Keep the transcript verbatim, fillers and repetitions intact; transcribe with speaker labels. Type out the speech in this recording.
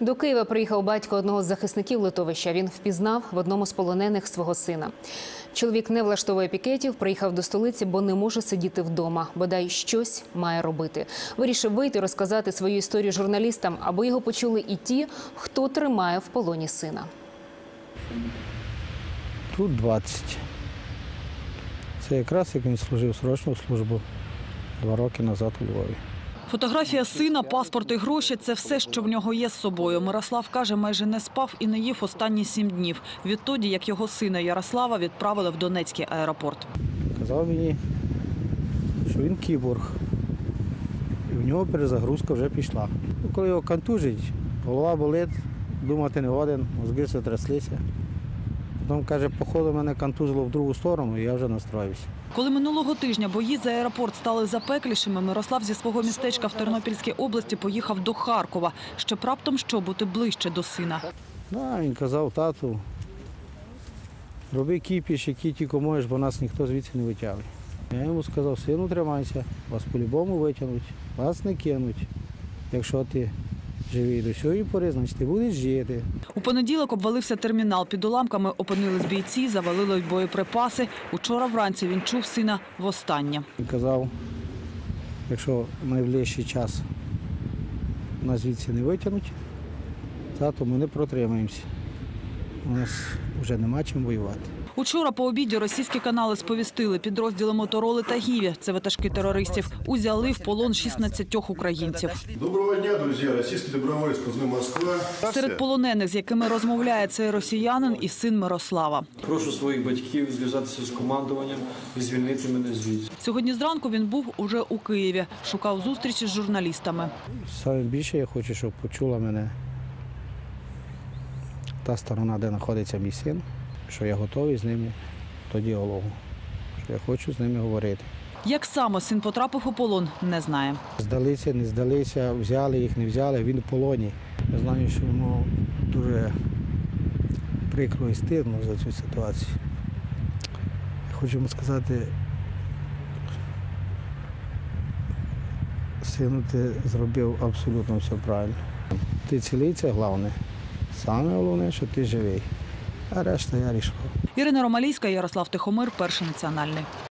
Speaker 1: До Києва приїхав батько одного з захисників литовища. Він впізнав в одному з полонених свого сина. Чоловік не влаштовує пікетів, приїхав до столиці, бо не може сидіти вдома. Бодай щось має робити. Вирішив вийти, розказати свою історію журналістам, аби його почули і ті, хто тримає в полоні сина.
Speaker 2: Тут двадцять. Це якраз як він служив срочну службу два роки назад у Львові.
Speaker 3: Фотографія сина, паспорт і гроші – це все, що в нього є з собою. Мирослав каже, майже не спав і не їв останні сім днів. Відтоді, як його сина Ярослава відправили в Донецький аеропорт.
Speaker 2: Казав мені, що він кіборг. І в нього перезагрузка вже пішла. Коли його контужить, голова болить, думати не годен, мозги все тряслися. Потім, каже, походу мене контузило в другу сторону, і я вже настроївся.
Speaker 3: Коли минулого тижня бої за аеропорт стали запеклішими, Мирослав зі свого містечка в Тернопільській області поїхав до Харкова, щоб раптом що бути ближче до сина.
Speaker 2: Да, він казав, тату, роби кіпіш, який тільки можеш, бо нас ніхто звідси не витягне. Я йому сказав, сину, тримайся, вас по-любому витягнуть, вас не кинуть. Якщо ти живий до цієї пори, значить ти будеш жити.
Speaker 3: У понеділок обвалився термінал. Під уламками опинились бійці, завалили й боєприпаси. Учора вранці він чув сина востаннє.
Speaker 2: Він казав, якщо в найближчий час нас звідси не витягнуть, то ми не протримаємося. У нас вже нема чим воювати.
Speaker 3: Учора по обіді російські канали сповістили, підрозділи Мотороли та Гіві, це ватажки терористів, узяли в полон шістнадцятьох українців.
Speaker 4: Доброго дня, друзі. Російський доброволець позивний «Москва».
Speaker 3: Серед полонених, з якими розмовляє цей росіянин і син Мирослава.
Speaker 5: Прошу своїх батьків зв'язатися з командуванням і звільнити мене звідси.
Speaker 3: Сьогодні зранку він був уже у Києві, шукав зустрічі з журналістами.
Speaker 2: Саме більше я хочу, щоб почула мене та сторона, де знаходиться мій син, що я готовий з ними до діалогу, що я хочу з ними говорити.
Speaker 3: Як саме син потрапив у полон, не знає.
Speaker 2: Здалися, не здалися, взяли їх, не взяли, він в полоні. Я знаю, що йому дуже прикро і стидно за цю ситуацію. Я хочу йому сказати, сину, ти зробив абсолютно все правильно. Ти цілий, це головне. Саме головне, що ти живий, а решта я рішив.
Speaker 3: Ірина Ромалійська, Ярослав Тихомир, Перший національний.